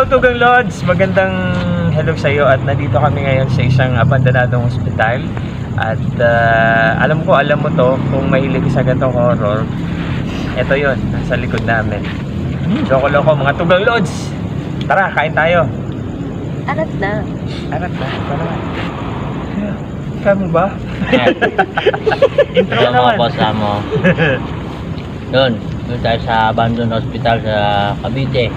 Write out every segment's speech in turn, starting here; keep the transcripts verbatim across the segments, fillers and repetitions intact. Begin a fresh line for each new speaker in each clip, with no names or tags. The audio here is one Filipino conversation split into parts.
Hello Tugang Lods! Magandang hello sa iyo at nandito kami ngayon sa isang abandonadong hospital. At uh, alam ko, alam mo to, kung mahilig ka sa ganitong horror, ito yon nasa likod namin. Loko-loko mga Tugang Lods! Tara, kain tayo!
Arat na.
Arat na, tara. Kaya mo ba? Intro
Ito
naman.
mga kasama. Doon, doon tayo sa abandoned hospital sa Cavite.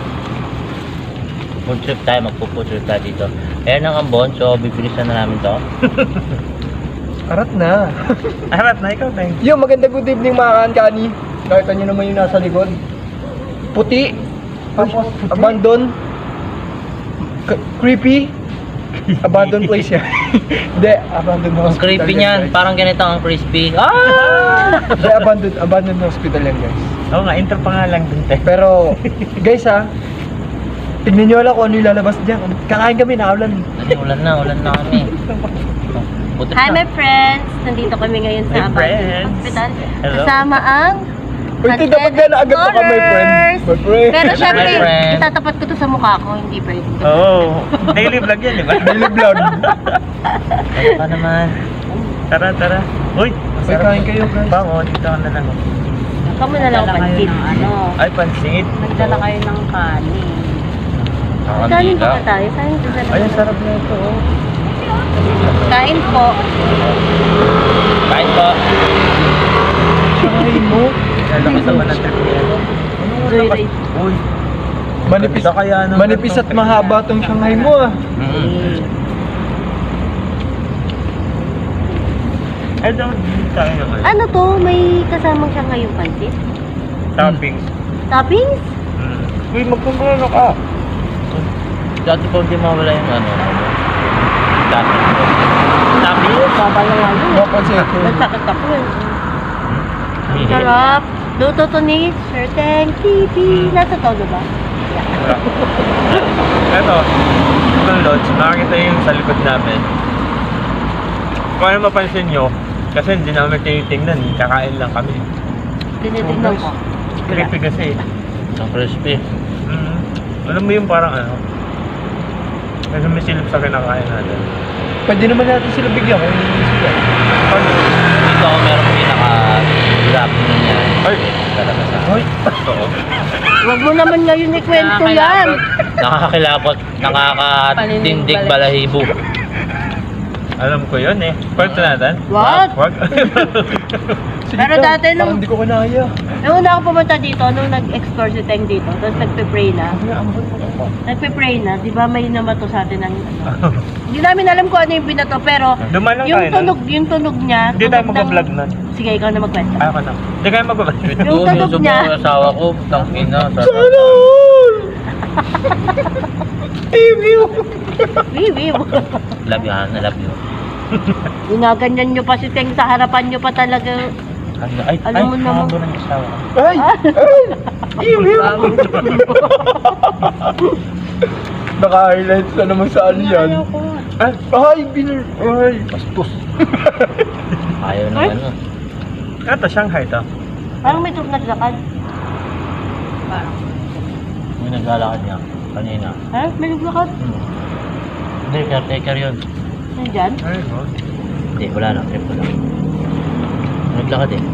Food trip tayo, magpo-food trip tayo dito. Ayan ang ambon, so bibilisan na namin to.
Arat na.
Arat na, ikaw tayo.
Yo, maganda good evening mga kankani. Nakita nyo naman yung nasa likod. Puti. Tapos, abandon. K- creepy. Abandoned place yan. Hindi, abandoned
Ang
hospital.
creepy
yan,
niyan,
guys.
parang ganito ang crispy. Ah!
Hindi, abandoned, abandoned hospital yan, guys.
Oo nga, intro pa nga lang din tayo.
Pero, guys ha, tignan nyo lang kung ano yung lalabas dyan. Kakain kami, naulan.
Ano, ulan na, ulan na kami. Buti
Hi
na.
my friends! Nandito kami ngayon sa
My
Abandoned
friends.
Hospital.
Hello.
Kasama ang
Uy, ito dapat ka na agad pa ka, my friend. My friend.
Pero syempre,
My friend.
itatapat ko to sa mukha ko, hindi pwede.
Oo, oh, daily vlog yan, di ba?
Daily vlog.
Ano ka naman?
Tara, tara. Uy,
Uy, kain kayo, guys.
Bango, dito ka na lang.
Kamo na lang pansit.
ano,
Ay, pansit.
nagdala kayo ng kanin.
Kanin pa ba tayo? Kanin pa ba?
Ay, ang sarap na ito, oh.
Kain po.
Kain po.
Kain mo.
Lalaki sa mga trip niya.
Joyride.
Uy,
Manipis,
ganda kaya ng
manipis at
ganitong
mahaba tong Shanghai mo ah.
Mm.
Ay, daw, hindi tayo naman.
Ano to? May kasamang siya ngayong pansit?
Toppings.
Toppings?
Mm. Uy, magkumbrano ka.
Dati po hindi mawala yung ano. Dati.
Toppings?
Baba lang ako.
Mapansin ko.
Nagsakit ako eh. Sarap. Luto to ni Sir Teng T V. Nasa todo ba?
Wala. Eto, itong lodge, makakita yung sa likod namin. Kung ano mapansin nyo, kasi hindi namin tinitingnan, kakain lang kami.
Tinitignan ko.
Creepy kasi.
Ang crispy.
Mm. Alam mo yung parang ano, kasi may silip sa kinakain natin.
Pwede naman natin sila bigyan kung hindi sila.
Ano?
Dito ako meron pinaka-grab na niya.
Ay!
Talaga sa
Hoy,
Oo.
Huwag mo naman ngayon ikwento yan.
nakakakilabot, nakakatindig balahibo.
Alam ko yun eh. Kwento natin?
What?
Wag.
sige
Pero
ka,
dati nung-
parang hindi ko kanaya.
Nung una ako pumunta dito, nung nag-explore si Teng dito, tapos nagpe-pray na. Nagpe-pray na, di ba may namato sa atin ng ano. Hindi namin alam kung ano yung binato, pero
Dumaan lang
yung
tayo nun.
tunog, yung tunog niya.
Hindi tayo
tunog ng-
mag-vlog nun.
Sige, ikaw na magkwento.
Ayaw ka na. Hindi kayo mag-vlog.
Yung
Doon,
tunog
yung
niya.
subukan asawa ko, tangin na.
Sana all! Email!
Wiwiw.
Love you, Han. I love you.
Ginaganyan nyo pa si Teng sa harapan nyo pa talaga.
Ano, ay,
Alam
ay,
mo naman.
mahaba ng asawa ko.
Ay! Ay! Email! Naka-highlights na naman sa ano yan. Ay! Ay! Binar! Ay!
Bastos. Ayaw na
Ay?
ano.
Ito, Shanghai to.
Parang may tunog naglakad.
May naglalakad niya kanina.
Ha? May naglakad?
Hmm. Hindi, caretaker yun.
Nandyan?
Ay, oh.
Hindi, wala na. Trip ko lang. Naglakad eh.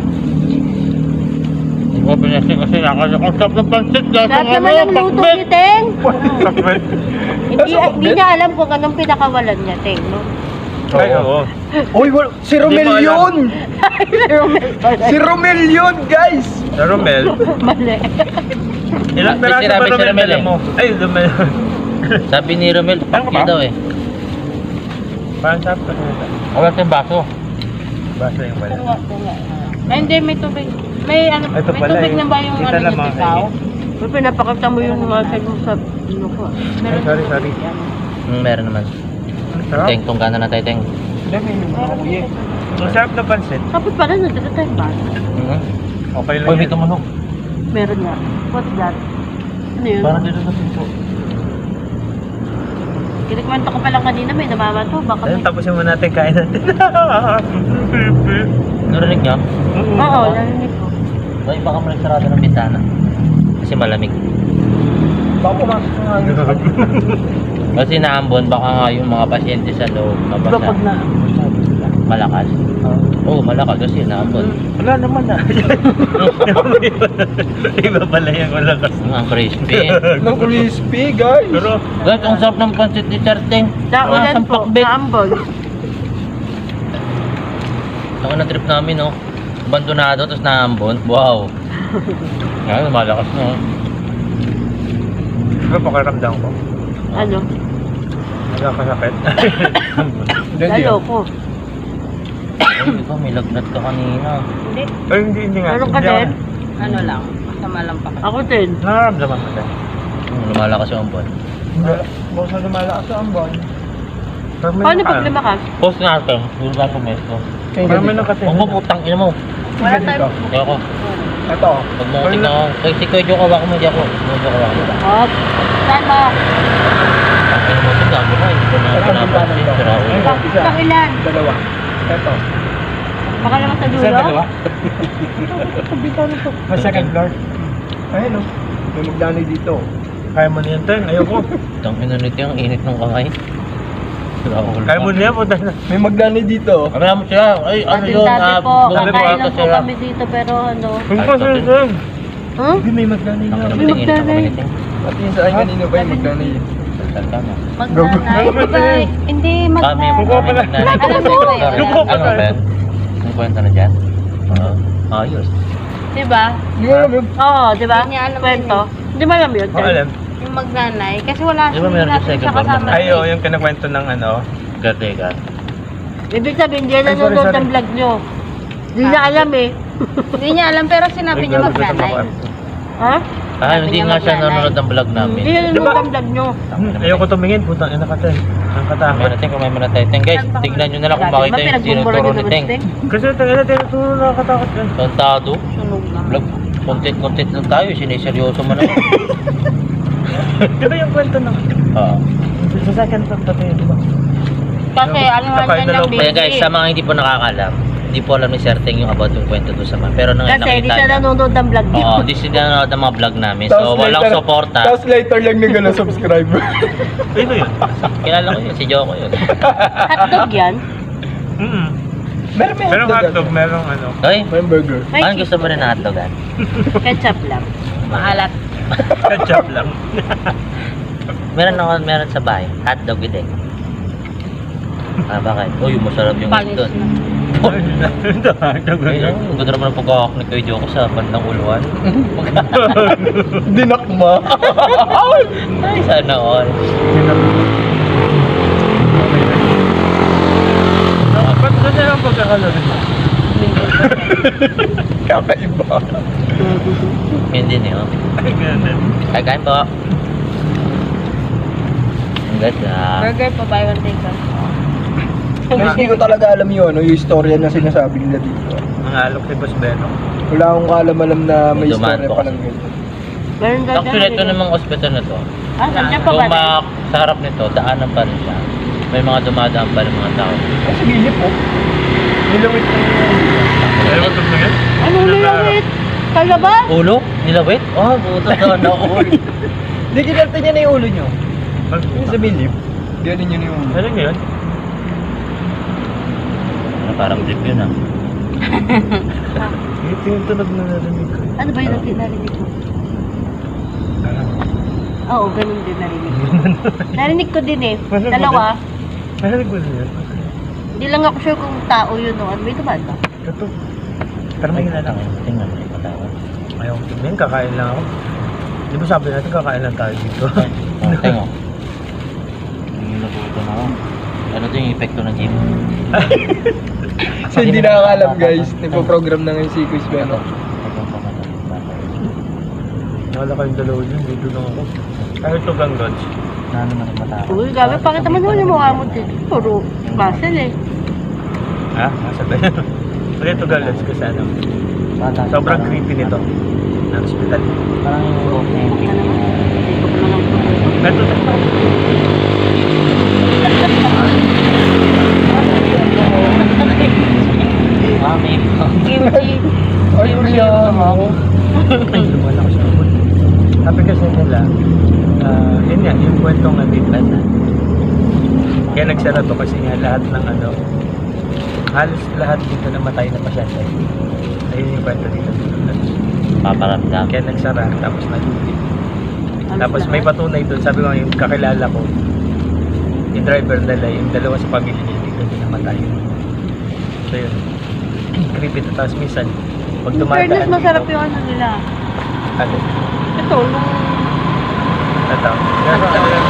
Ikaw pinasin kasi nakasakasap ng pansit.
Lahat naman ang luto ni Teng.
Sakit.
Hindi, hindi niya alam kung anong pinakawalan niya, Teng, no?
Ay, oo.
Uy! wal- Si Romel
Hindi mo alam.
yun!
Romel pala.
Si Romel yun, guys!
Sa Romel,
Mali.
ilang
May
peraso
sinabi
ba
si
Romel
Romel
dala
eh.
mo? Ay, Romel.
Sabi ni Romel,
Ano
pakya
ba?
daw eh.
Parang sabi ko nito.
Wala tayong baso.
Basta yung pala.
Ay, hindi, may tubig. May ano,
Ito
may
pala
tubig
eh.
na ba yung
Kita
ano
lang,
niya,
mga
tikaw?
Uy, pinapakita mo yung mga sa sa ano ko.
Ay, sorry, sorry.
Hmm, meron naman.
Ang sarap.
Teng, tungkana na tayo, Teng.
Hindi, may nakuya.
Ang sarap na pansit.
Kapit pala, nandito tayo ba?
Mhm.
Okay lang
Uy, may
yan.
tumunog.
Meron nga. What's that? Ano yun?
Parang dito sa pinto.
Kinikwento ko pa lang kanina, may namamato. Baka
Ayun,
may...
tapusin mo natin kain natin.
Narinig niyo?
Oo, narinig ko.
Uy, baka mo nagsarado ng bintana. Kasi malamig.
Baka pumasok ng hangin.
Kasi naambon, baka nga yung mga pasyente sa loob
Diba
mabasa.
pag na...
Malakas. Oo, oh, malakas kasi naambon.
Wala naman na. Iba pala yung malakas.
Ang crispy.
Ng crispy, guys.
Pero,
Guys, ang sarap ng pancit ni Charteng.
Naulan po,
pakbet.
naambon.
Ako na trip namin, no? Abandonado, tapos naambon. Wow. Yan, malakas, no?
diba pakiramdam ko?
Ano?
Nagkakasakit.
Hindi, hindi.
Lalo ko.
Ay, ikaw, may lagnat ka kanina.
Hindi.
Ay, hindi, hindi nga.
Meron ka
Hindi ako-
din?
Ano lang, masama lang pa.
Ako din.
Nararamdaman ko din.
Hmm, lumalakas yung ambon.
Hindi.
Baka sa lumalakas sa ambon.
Pero may
Paano
naka-
pag lumakas?
Post nga ito. Doon sa pumesto.
Kaya
Parang may
dito.
nakatingin.
Huwag mo putang ina mo.
Wala tayo.
Kaya ako.
Ito.
Pag mo tingnan ako. Kaya si Kuya Joe kawa ko mo, hindi ako. Hindi ako kawa ko.
Hop. Saan ba?
Ang mo tingnan ko na. Hindi ko na
Parang
pinapansin.
bintana
Sira ulo.
Ito, isa.
Pang ilan?
Dalawa. Ito.
Baka naman sa dulo?
Isa, dalawa? Sa second floor.
Ayun o. May magdanoy dito.
Kaya mo na yan, Teng. Ayoko.
Tang ina nito yung init ng kamay. Sira ulo.
Kaya mo na yan, punta na.
May magdanoy dito.
Kaya mo siya. Ay, ano
Dati
yun?
dati
ah,
po,
bumibigay
kakain
ko
lang po
sila.
kami dito pero ano.
Kung
Ay,
kasi,
sabi-
Teng.
Huh?
Hindi, may magdanay
Ang
na.
ina
May
mo tingin ng
magdanay.
kamay nito.
Pati yung sa akin kanino ba yung magdanoy?
Saltal ka na.
Magnanay,
Gago.
di ba? Hindi,
Kami,
magnanay.
Kukuha pala.
kami magnanay.
Alam mo ba yun?
Kukuha
Ano
pala.
ba? Ang kwento na dyan? Oo. Ayos.
Di ba?
Hindi mo alam yun.
Oo, di ba?
Hindi niya alam
Kwento. Hindi mo alam yun?
Oh, alam.
Yung magnanay. Kasi wala
Di ba meron
natin
sa second
siya
floor
kasama.
na-
Ay, oo, yung kinakwento ng ano.
Cartega.
Ibig sabihin, hindi
Ay, sorry,
nanonood
sorry.
ng vlog nyo. Hindi niya alam eh.
Hindi niya alam, pero sinabi niya magnanay.
Ha?
Ah, hindi nga siya nanonood ng vlog namin.
Hindi nanonood
Diba?
ng vlog nyo.
Hmm, ayoko tumingin, putang ina ka, Teng. Ang
May
katakot.
natin kung may manatay. Teng guys, tignan nyo na lang kung
Dati
makita
ba
yung
pinagbubura
tinuturo
nyo
ni
naman
Teng.
si Teng?
Kasi Teng, ina, tinuturo na nakatakot yan.
Tontado.
Sunog lang.
Vlog. Content-content lang tayo. Siniseryoso man ako.
Di ba yung kwento ng...
Oo.
Sa second floor pati, di ba?
Kasi ano man
Nakain
yan
na
ng
lang.
Kaya
baby.
guys, sa mga hindi po nakakalam, hindi po alam ni Sir Teng yung about yung kwento doon sa mga. Pero nang
Kasi hindi
nakita
siya
niya.
nanonood ng vlog nyo.
Oo, di sila nanonood ng mga vlog namin. So, walang suporta.
Tapos later lang nagano subscribe.
Sino yun?
Kilala ko yun, si Joko yun.
Hotdog yan.
Mm.
Meron may
Merong
hotdog.
hotdog, merong ano.
Hoy,
May burger.
May
anong gusto mo rin na hotdogan?
ketchup lang.
Maalat.
Ketchup lang.
Meron ako, meron sa bahay. Hotdog with egg. Ah, bakit? Uy, masarap yung egg
Panis
doon.
na.
Ito, hotdog
Ay,
lang.
ang ganda naman ang pagkakak ni Kuya Joko sa bandang uluan.
Dinakma.
Ay, sana all.
Ba't ganyan ang pagkakalari mo?
Kakaiba.
Hindi niyo.
Ay, ganyan.
Ay, kain po. Ang ganda.
Burger pa buy one take one.
Guys, hindi ko talaga alam yun, ano, yung istorya na sinasabi nila dito.
Ang alok ni Boss Beno.
Wala akong kaalam-alam na may
May dumaan
istorya
po
pa
kasi.
lang ganyan.
Meron daw
Actually, ito
dyan.
namang hospital na to.
Ah, nandiyan pa ba?
Kung ma- sa harap nito, daanan pa rin siya. May mga dumadaan pa rin mga tao.
Ay, sa gilip po. Nilawit na
Ayaw mo tumingin?
Ano nilawit? Kalaba?
Ulo? Nilawit? Oh, buto na ulo.
Hindi, kinalta niya na yung ulo nyo. Yung sa bilip. Ganun yun yung ulo.
Ano yun?
Ano, parang trip yun ah.
Ito yung tunog na narinig ko.
Ano ba yung narinig narinig ko? Oo, ganun din narinig ko. Narinig ko din eh.
Ano ba
Dalawa.
Narinig mo na yun?
Hindi lang ako sure kung tao yun o ano. May dumaan ba?
Ito. Pero may hinala ko.
Tingnan mo yung katawan.
Ayaw ko tumingin, kakain lang ako. Di ba sabi natin kakain lang tayo dito?
Oh, tingnan mo. Yung nabuto na ako. Ano to yung epekto ng gym?
Kasi hindi nakakalam guys. Nagpo-program na ngayon si Quiz Beno.
Wala kayong dalawa yun, dito lang ako. Ay, ito gang lodge.
Ano naman yung mata?
Uy, gabi, pakita mo naman yung mukha mo dito. Puro muscle eh.
Ha? Nasa ba yun? Pag ito gang lodge kasi ano, sobrang creepy nito. Ng hospital.
Parang yung ulo niya yung
Ano naman? Hindi ko pa naman po.
Ito ito.
Ah, may
Kimchi.
Ay, Uriya.
Ay, lumala ko sa abot. Sabi kasi nila, ah, yun nga, yung kwentong nandito na. Kaya nagsara to kasi nga lahat ng ano, halos lahat dito namatay na pasyente. Ayun yung kwento dito.
Paparamdam.
Kaya nagsara, tapos nalubi.
Halos
Tapos may
lahat.
patunay doon, sabi ko yung kakilala ko, yung driver nila, yung dalawa sa pamilya niya, dito din namatay. So yun, creepy to. Tapos minsan, pag
In
tumataan
fairness, masarap
dito,
yung ano nila.
ano,
Ito, nung...
ito. Pero ano lang,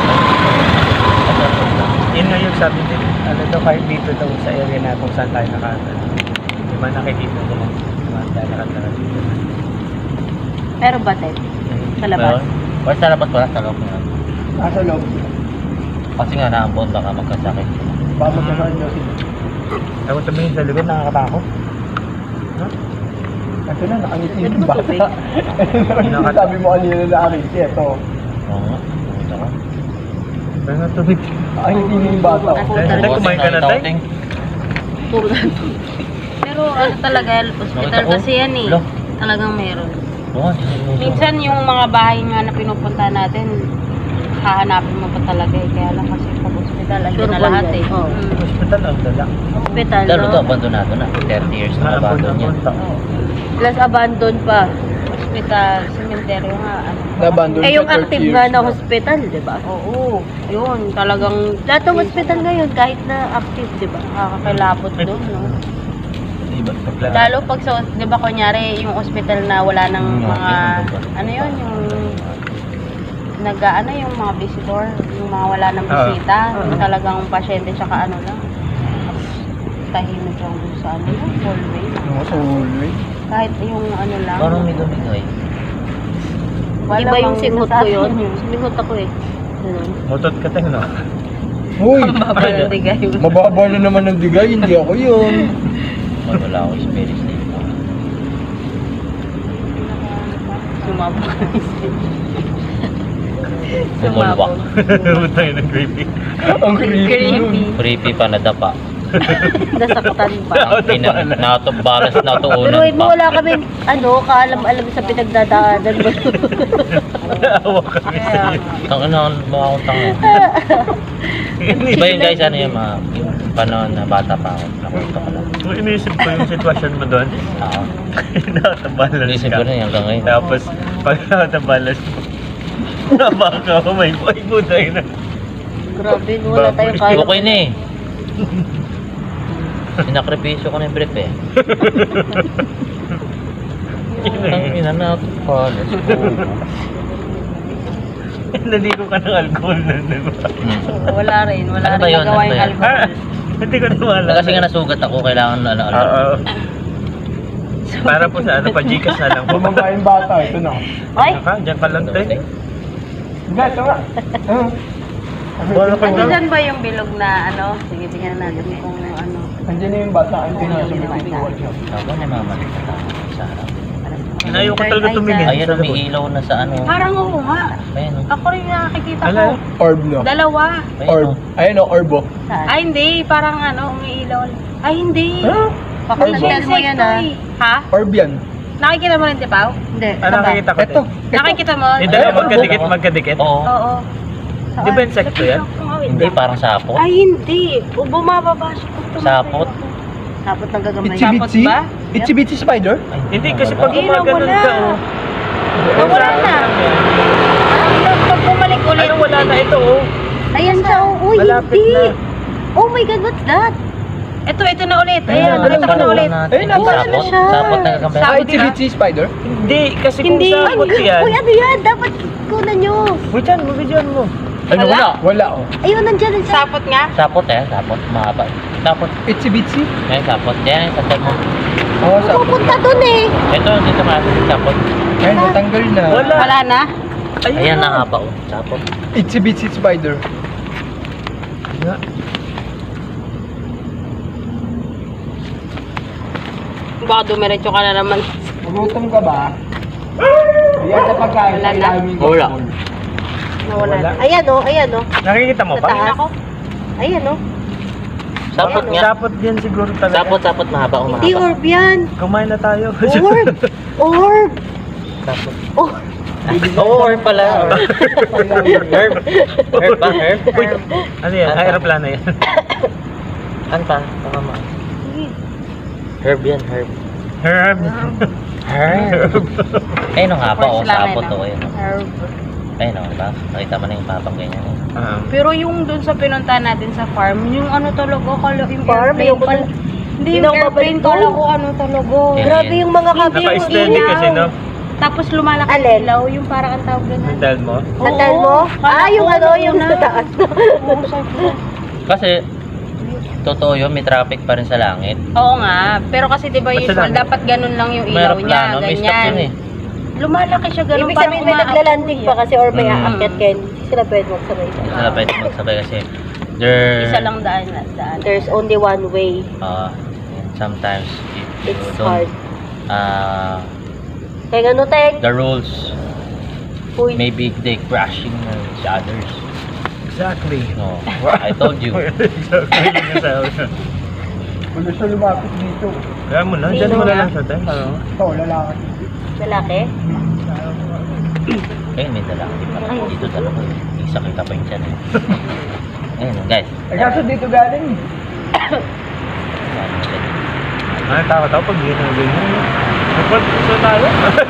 yun nga yung sabi din, ano daw kahit dito daw sa area na kung saan tayo nakata. Di ba nakikita nila, nakakatakan dito.
Pero batid. Sa labas.
O sa labas wala, sa loob na.
Nasa loob.
Kasi nga naambon, baka magkasakit.
Baka magkakaroon daw sila.
Ako tumingin sa likod, nakakatakot. No?
Ito na, nakangiti
Ito
yung
ba
bata.
tubig?
Ito sabi mo kanina na nakangiti. Ito.
Oo nga. Pumunta ka.
Pero nga tubig.
Nakangiti niya yung bata.
Ako
Tay,
talaga.
kumain ka na, Tay?
Puro na ito.
Pero ano talaga, hospital
Nakita ko.
kasi yan eh.
Lo.
Talagang meron.
Oo,
Minsan yung mga bahay nga na pinupunta natin, hahanapin mo pa talaga eh. Kaya lang kasi pag hospital, andyan
Sure
na
po
lahat
yan.
eh.
Oo.
Mm.
Hospital ang dala.
Hospital,
Lalo to,
no?
abandonado na. thirty years na abandon yan.
Oo.
Plus abandon pa.
Hospital, cemetery nga. Ano.
Na-abandon
Eh, yung
siya thirty
active
years
nga na hospital, di ba?
Oo. Yun, talagang
Lahat ng hospital ngayon, kahit na active, di ba?
nakakakilapot doon, no?
Iba, paglalaro.
Lalo pag sa, di ba kunyari, yung hospital na wala ng
Mm,
mga,
okay.
ano yun, yung, nag, ano yung mga visitor, yung mga wala ng
Oo.
bisita,
Oo.
yung talagang pasyente, tsaka ano lang, tahimik lang doon sa ano, yung hallway.
Yung sa hallway.
Kahit yung ano lang.
Parang may dumingay.
wala
Iba yung
bang
singhot ko
nasabi
yun.
yun.
Singhot ako eh. Ganun.
Mutot ka tayo, no?
Uy!
Ang baba ng digay.
Mababa na naman ng digay, hindi ako yun.
Wala ako experience na ito.
Sumabog.
Bumulwak.
Tayo ng creepy.
Ang creepy nun.
Creepy.
Creepy pa, nadapa.
Nasaktan pa.
Ang ina, natubalas,
Pero
natuunan
mo
pa.
wala kaming, ano, kaalam-alam sa pinagdadaanan mo.
Naawa kami sa iyo.
Ang ina, baka akong tanga. Iba yun guys, ano yung mga, yung panahon na bata pa ako. Nakwento ko lang.
Kung iniisip ko yung sitwasyon mo doon,
Oo.
nakatabalas
Inisip
ka.
ko na yun hanggang ngayon.
Tapos, pag nakatabalas mo, nabaka ko, may boy mo tayo na.
Grabe, no, wala tayong kaya.
Okay na eh. Sinakripisyo ko na yung brief eh. Ang ina na pa. Let's go.
Naligo ka ng alcohol na, di ba?
Wala rin. Wala
Ano ba
rin
yun?
nagawa
Ano ba
yung
yun?
alcohol.
Ah, hindi ko nawala.
Kasi nga nasugat ako, kailangan na ano.
Oo. Para po sa ano, pa Gcash na lang po.
Bumaba yung bata, ito na.
Ay!
Ano ka? Diyan ka lang tayo.
Hindi, ito nga. Ah.
Wala ka
Ano
na.
dyan ba yung bilog na ano? Sige, tingnan natin kung ano.
Andiyan na yung bata, andiyan na sa may pintuan siya.
Ako na mamalik na tao sa harap.
Ayaw ko talaga tumingin.
Ayan, may ilaw na sa ano.
Parang oo nga.
Ayan o.
Ako rin nakikita
Ala.
ko.
Orb no?
Dalawa.
Ayan
Orb.
o.
Ayun o, orb o.
Saan?
Ay hindi, parang ano, umiilaw. Ay hindi.
Huh?
Pakasal mo yan, ah.
Ha?
Orb yan.
Nakikita mo rin, Tipaw?
Hindi.
Ano nakikita ko
Ito.
din?
Nakikita mo?
Yung dalawa
Ay,
magkadikit,
oo.
magkadikit.
Oo.
Oo.
Di ba insekto yan?
Hindi, parang sapot.
Ay hindi. O, bumababa siya.
Sapot.
Tapos nang gagamay.
Itsy
Sapot
bitsy?
ba?
Itsy bitsy spider?
Ay,
Hindi, kasi pag
Hindi,
gumaganon
nawala.
ka, oh.
Nawala na. Pag bumalik ulit.
Ano, wala na ito, oh.
Ayan siya, oh. Uy,
Malapit
hindi.
na.
Oh my God, what's that?
Ito, ito na ulit.
Ayan,
Ayan,
dalawa
ito na
na
ulit.
natin.
Ayun, nawala
Sapot.
na siya.
Sapot na kakamay.
Ah, itsy bitsy spider?
Hindi, kasi kung
Hindi.
sapot yan.
Uy, ano yan? Dapat kunan nyo.
Wait yan, mabidyan mo.
Ano
Wala.
wala?
Wala o.
Ayun, nandyan, nandyan.
Sapot nga.
Sapot eh, sapot. Mahaba. Sapot.
Itsy bitsy?
Ayan, sapot. Yan, sa tag mo.
Oo, sa...
Pupunta dun eh.
Ito, dito nga. Sapot.
Ayun, natanggal na.
Wala.
Wala na.
Ayan, nahaba oh. Sapot.
Itsy bitsy spider.
Nga.
Baka dumiretso ka na naman.
Magutom ka ba? Ayan na pagkain.
Wala na.
Wala.
Nawala
Wala.
na.
Ayan, oh. Ayan, oh.
Nakikita mo
Sa
pa?
taas.
Ako?
Ayan, oh.
Sapot nga.
Sapot yan siguro talaga.
Sapot, sapot. Mahaba oh,
Hindi
mahaba.
orb yan.
Kumain na tayo.
Orb. Orb.
Sapot.
Oh.
Oo, herb pala. Herb. Herb ba? Herb?
Uy, ano yan?
Ano?
Aeroplano yan.
Ano pa? Baka ma. Herb yan, herb.
Herb.
Herb. Ayun nga pa, oh,
First lang,
sapot
eh,
to.
no?
Ayun.
Herb.
Ayun oh, diba? Nakita mo na yung papang ganyan. eh.
Ah.
Pero yung dun sa pinunta natin sa farm, yung ano talaga, kala yung
Farm?
airplane
Yung-
pala. Hindi
Hindi
yung
ako
airplane,
babalik
kala
doon.
ko ano talaga.
Yeah.
Grabe yung mga kabin.
Naka-extended kasi, no?
Tapos lumalaki
Alin?
yung ilaw, yung parang ang tawag doon.
Mental mo?
Natal mo?
Kala
Ah, yung
ko
ano, yung
na.
sa taas.
Oo, sabi ko.
Kasi, totoo yun, may traffic pa rin sa langit.
Oo nga, pero kasi di ba
Ba't
usual,
sila?
dapat ganun lang yung
May
ilaw niya,
aeroplano, may stop
ganyan.
yun eh.
Lumalaki siya ganun,
Ibig sabihin may
umaabot
naglalanding
siya.
pa kasi or may
Mm.
aakyat kayo. Hindi sila pwede magsabay.
Hindi sila pwede magsabay kasi there...
Isa lang daan na daan.
There's only one way.
Uh, and sometimes, if you
It's
don't...
hard.
Uh,
Kaya ano, Tek?
the rules,
Uy.
maybe they crashing each others.
Exactly.
No, I told you.
Exactly. Yung sabi ko.
Wala siya lumapit dito.
Kaya mo na, dyan mo na lang sa tayo. Ano?
Ito, lalaki.
Lalaki?
Ayun, may dala.
Ay.
Dito talaga. Isa kita pa yung tiyan eh. Ayun, guys.
Eh, kaso dito galing.
Ano takot ako pag gano'n ganyan. Kapag gusto tayo.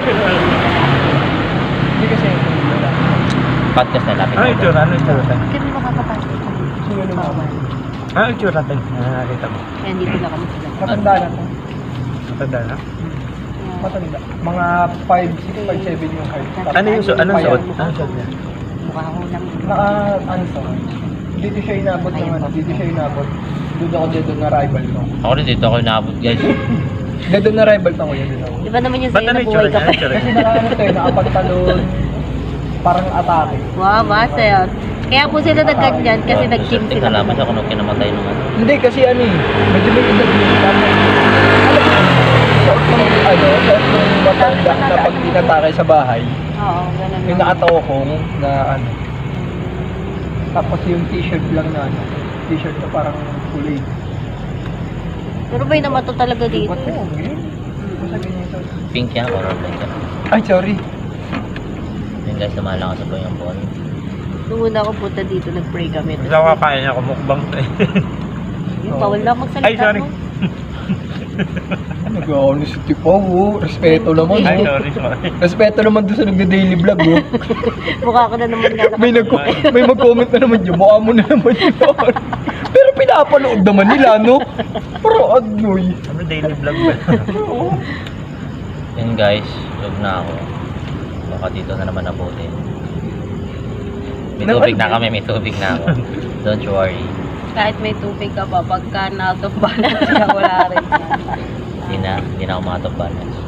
Hindi kasi yung wala.
Podcast na lapit.
Ano yung tsura? Ano yung tsura tayo?
Bakit mo makakapasok?
Sino lumapit?
Ano yung tsura tayo? Nakakita mo.
Kaya dito na kami sila.
Matanda na to.
Matanda na?
Matanda. Mga five, six, five, seven yung height. Tapos
Ano yung suot? Anong
payat.
suot? Anong suot niya?
Mukha ko lang.
Naka, ano to? Dito siya inabot ng ano, dito siya inabot. Doon ako dead on arrival ko.
Ako rin dito ako inaabot, guys.
Dead on arrival pa ko yan din ako.
Di ba naman yung
Ba't
sa'yo
ano
na
yung
buhay
tsura
ka
niya?
pa?
Ano yung tsura
Kasi
niya?
naka ano to eh, nakapagtalon. Parang atake.
Wow, basta yun. Kaya po sila nagganyan kasi nag-gym sila.
Nalaman siya kung nung kinamatay nung ano.
Hindi kasi ano eh, medyo may edad din. Alam mo, suot ng ano, suot ng matanda na pag tinatake sa bahay,
Oo, ganun
yung
lang.
nakatokong na ano. Tapos yung t-shirt lang na ano, t-shirt na parang kulay.
Pero may namato talaga dito.
Ba't mo? Ganyan. Basta ganyan to.
Pink yan, or red yan.
Ay, sorry.
Yun guys, lumalakas po yung ball.
Nung una ako punta dito, nag-pray kami.
Gusto ko kakain niya kumukbang to eh.
Yung bawal na magsalita
Ay, sorry.
mo.
Nag-honesty pa, oh. Respeto naman,
Ay,
oh.
sorry, sorry.
Respeto naman doon sa nagda-daily vlog, oh.
Mukha ko na naman nga.
May, nag may mag-comment na naman yun. Mukha mo na naman yun. Pero pinapanood naman nila, no? Pero adoy.
Ano daily vlog ba?
Yun guys, log na ako. Baka dito na naman nabuti. May
Naman-
tubig na kami, may tubig na ako. Don't you worry.
Kahit may tubig ka pa, pagka na-out of balance ka, wala rin.
Hindi na, hindi na ako makatop balance.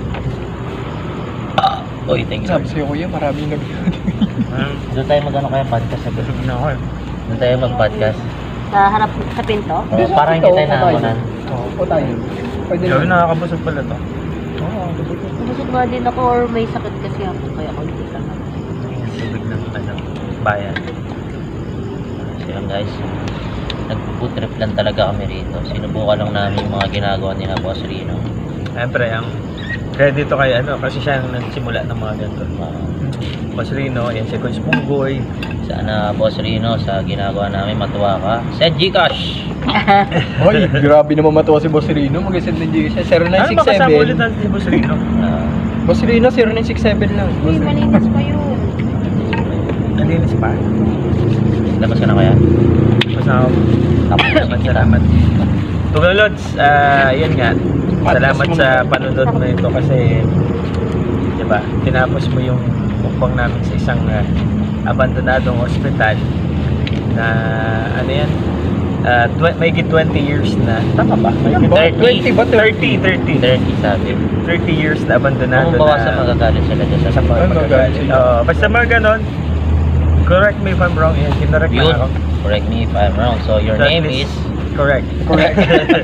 Uy, thank you.
Sabi sa'yo, kuya, maraming nag...
Doon tayo mag-ano kaya podcast sa
Busog na ako eh.
Doon tayo mag-podcast.
Sa harap sa pinto?
Oo, parang hindi tayo nakakunan.
Oo, o tayo. Pwede
Sabi
naman.
nakakabusog pala to.
Oo,
Busog nga din ako or may sakit kasi ako kaya ako hindi ka
Tubig ng ano, bayan.
So yun guys, nag-food trip lang talaga kami rito. Sinubukan lang namin yung mga ginagawa ni na Boss Rino.
Siyempre, ang credit to kay ano, kasi siya ang nagsimula ng mga ganito.
Uh,
Boss Rino, yan si Coach Punggoy.
sana Boss Rino sa ginagawa namin matuwa ka. Send Gcash!
Hoy, grabe naman matuwa si Boss Rino. Mag-send ng G siya. zero nine
Ano
six
ba kasama ulit
seven.
natin si Boss Rino?
Uh,
Boss Rino, zero nine six seven lang.
Uy, malinis pa yun.
Nalinis pa.
labas ka na kaya?
Masama.
Tapos
Salamat,
kita.
salamat. Tugalods, ah, yan nga. Salamat sa panunod mo ito kasi, di ba, tinapos mo yung mukbang namin sa isang ah, abandonadong hospital na, ano yan, uh, tw- may twenty years na, tama ba?
Ano ba? twenty ba?
thirty, thirty.
thirty sabi.
thirty years na abandonado
Kung bawasan
na
magagalit sila dyan sa
sa mga
Ano,
magagalit.
guys?
Oo, basta mga ganon, correct me if I'm wrong, yan, kinarect
Yun.
na ako.
Correct me if I'm wrong. So your
So, at
name
least-
is...
Correct.
Correct.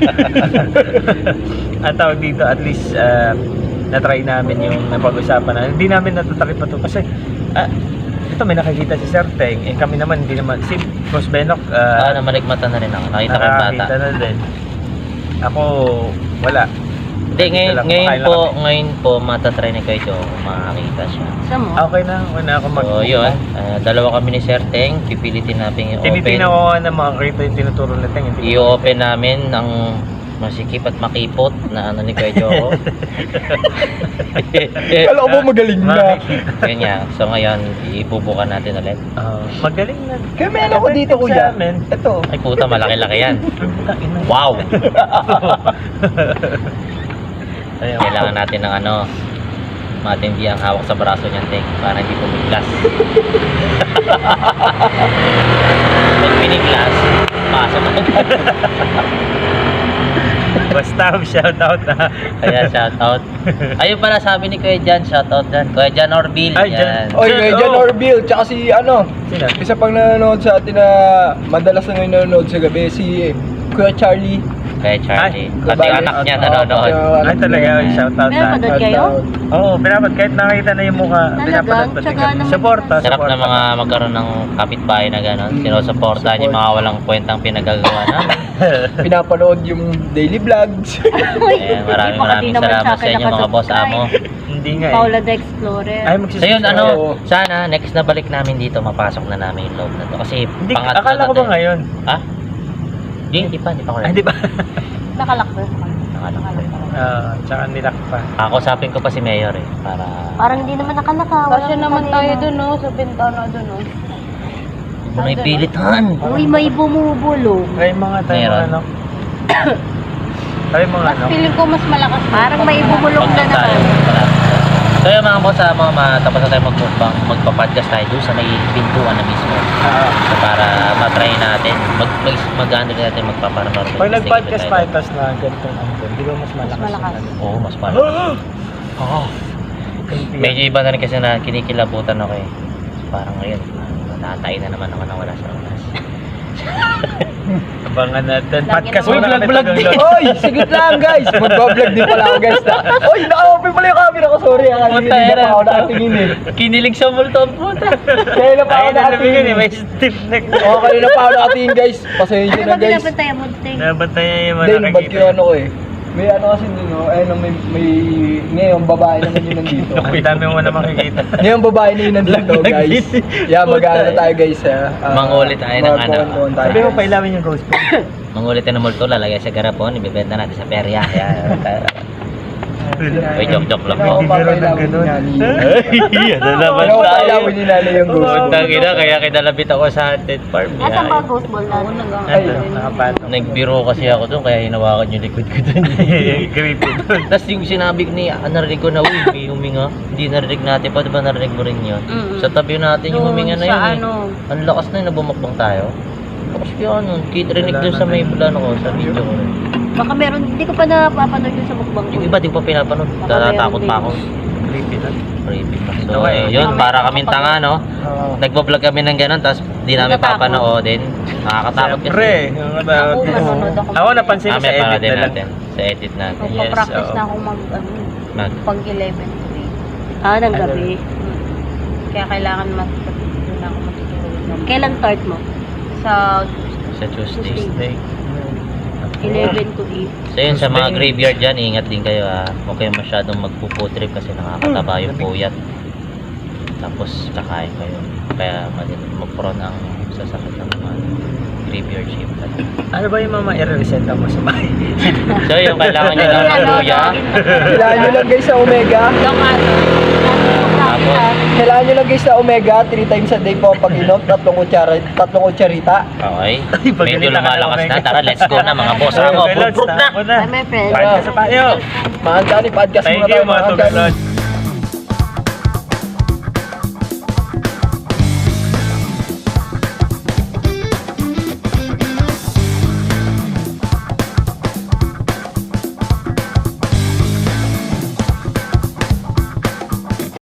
Ang tawag dito, at least uh, na-try namin yung napag-usapan na. Hindi namin natatakip pa to kasi ah, ito may nakikita si Sir Teng, eh kami naman hindi naman si Boss Benok
Ah,
uh,
namaligmatan na rin ako. Nakita ko yung bata.
nakakita na din. Ako wala.
Hindi, ngayon,
Dala-
ngayon
kumakain lang
po,
kami.
ngayon po, matatry ni Kuya Joe kung makakita siya.
Sa mo?
Okay na, una ako mag-
So, yun. ah, dalawa kami ni Sir Teng. Pipilitin natin i-open.
Tinitingnan ko nga na makakita yung tinuturo na Teng. hindi ko
I-open namin ang masikip at makipot na ano ni Kuya Joe.
Kala ko ba magaling na?
makikita.
Yun nga. So, ngayon, ibubukan natin ulit.
Ah, magaling na.
Kaya may ano ko dito,
Sa
kuya.
amin.
Ito.
Ay, puta, malaki-laki yan.
Ina.
Wow!
Ayun.
Kailangan natin ng ano, matindi ang hawak sa braso niyan, Teng, para hindi pumiglas. Pag piniglas, pasok agad.
Basta shoutout na.
Kaya shoutout. Ayun pala sabi ni Kuya Jan, shoutout dyan. Kuya Jan Orville.
Ay, Jan.
Yan.
Oy, kay Jan
Oh.
Orville, tsaka si ano,
Sino?
isa pang nanonood sa atin na madalas na ngayon nanonood sa gabi, si Kuya Charlie.
Kuya Charlie.
Ay,
Pati
Gabales.
anak niya
Oo,
nanonood.
pati ang anak
Ay talaga,
niya.
shoutout na.
Pinapanood kayo?
Oo, pinapad. Kahit nakita na yung mukha,
Talagang?
pinapanood pati
Tsaga
kami.
naman
Supporta,
Sarap
supporta.
na mga magkaroon ng kapitbahay na gano'n.
Mm.
Sinusuportahan yung mga walang kwentang pinagagawa namin.
Pinapanood yung daily vlogs.
Ayan, maraming maraming salamat sa inyo mga boss amo.
Hindi nga eh.
Paula the Explorer.
Ay,
So
magsisubscribe.
yun, ano,
Oo.
sana next na balik namin dito, mapasok na namin yung loob na to. Kasi
Hindi,
pangatlo
akala ko
na
ba
to.
ngayon?
Ha? Hindi, hindi pa, hindi pa ko
Ay, di ba?
Nakalak ba?
Nakalak ko.
Ah, tsaka nilak pa.
Kakusapin ko pa si Mayor eh, para...
Parang hindi naman nakalaka.
Kasi naman tayo dun, no? Sa bintana dun, no?
Huwag mo na ipilitan.
Uy, may bumubulong.
Ay, mga tayo
Meron.
ano. Ay, mga
Mas
ano.
feeling ko mas malakas.
Parang may bumulong na
Pag tayo,
naman.
wala. So yun mga boss, ah, mga matapos na tayo magpapang, magpa-podcast tayo doon sa may pintuan na mismo.
Ah,
So para matry natin, mag, mag, mag-ano din natin, magpaparamar.
pag nag-podcast tayo, tapos na ganitong angkol, di ba mas malakas?
malakas.
yung ano?
Oo, mas malakas.
Oo. Kunti
Medyo iba na rin kasi na kinikilabutan ako eh. Parang ngayon, natatay na naman ako na wala sa oras.
Abangan natin.
Lagi
Podcast
naman.
mo
Uy, vlog-vlog din.
Oy, sigit lang guys. Magbablog din pala ako guys. Na. Oy, naka-open pala yung camera ko. Sorry, ah,
Puta,
hindi na
era.
pa ako nakatingin eh.
Kinilig sa multo ang puta.
Kaya na pa ako
Ay, nalabigan eh.
nakatingin.
May stiff neck.
Oo, kayo na pa ako nakatingin guys. Pasensya
Ano
na
ba
guys.
binabantayan mo, Ting?
Nabantayan yung mga
Hindi, nung ba't
nakakita.
kaya ano ko eh. May ano kasi dun, no? Ayun, may, may, ngayon, babae naman yun nandito.
Ang dami mo na makikita.
Ngayon, babae na yun nandito, guys. Yeah, mag-ano tayo, guys, ha? Ah,
Mangulit tayo ng ano.
magkuhan-kuhan tayo,
Sabi mo,
guys.
pailamin yung ghost pin.
Mangulit na ng multo, lalagay sa garapon, ibebenta natin sa perya. Yan. Uy, joke-joke lang po.
Hindi ako papailawin
ganun.
niya, ni-
Ay, ano naman
Hindi ako
tayo.
papailawin ni nanay yung ghost.
Puntang ina, kaya kinalabit ako sa haunted farm.
Nasaan ba
Yan.
ghost ball
Oo,
natin?
nag-
Ano, nakapatong.
Nagbiro kasi ako doon, kaya hinawakan yung likod ko doon.
Creepy doon.
Tapos yung sinabi ko ni, ah, narinig ko na, uy, may huminga. Hindi narinig natin pa, di ba narinig mo rin yun?
Mm-mm.
Sa tabi natin yung
Doon
huminga na
sa
yun. eh.
ano.
Ang lakas na yun, nabumakbang tayo. Lakas kaya ano, kit rinig
Wala
doon
na
sa may
na yun.
plano ko, sa video ko rin.
Baka meron, hindi ko pa napapanood yun sa mukbang ko.
Yung iba, di ko pa pinapanood.
Baka
Natatakot
meron
pa
din.
ako.
Creepy doon.
Creepy pa. So,
Ito nga eh.
yun,
Mamaya
para
ako
kaming
pag-
tanga, no?
Oo.
Nagbablog kami ng gano'n, tapos di namin
Natatakot.
papanoodin. Nakakatakot kasi.
Siyempre. yung
Ako,
about-
manonood ako.
Ako napansin ko sa
Kami para
edit
din
na lang.
natin. Sa edit natin.
Yes,
Magpa-practice
oo.
na ako mag, ano,
Mag,
pag eleven to eight.
Ah, ng gabi.
Kaya kailangan matutulog na ako matutulog.
Kailan start mo?
Sa
sa Tuesday.
Tuesday.
eleven to eight.
So yun, sa mga
Tuesday.
graveyard dyan, ingat din kayo ha. Huwag kayong masyadong magpuputrip kasi nakakataba yung puyat. Tapos kakain kayo. Kaya mag-prone ang sasakit ng mga graveyard shift.
Ano ba yung mga i-resenta mo sa bahay?
So yung kailangan nyo ng
Ano,
luya.
Kailangan nyo lang guys sa Omega.
yung ano,
Tapos,
Kailangan nyo lang guys sa Omega. Three times a day po pag inom. Tatlong kutsara, tatlong kutsarita.
okay.
pag
Medyo
ganito ka
lumalakas
na,
na.
Omega.
Tara, let's go na mga boss. Ako,
Okay, Lods,
put na.
tama na.
Hi, my friend.
Podcast sa tayo.
Mga Johnny, podcast
Thank
muna
you
tayo
mga
mga Johnny.
Tugalod.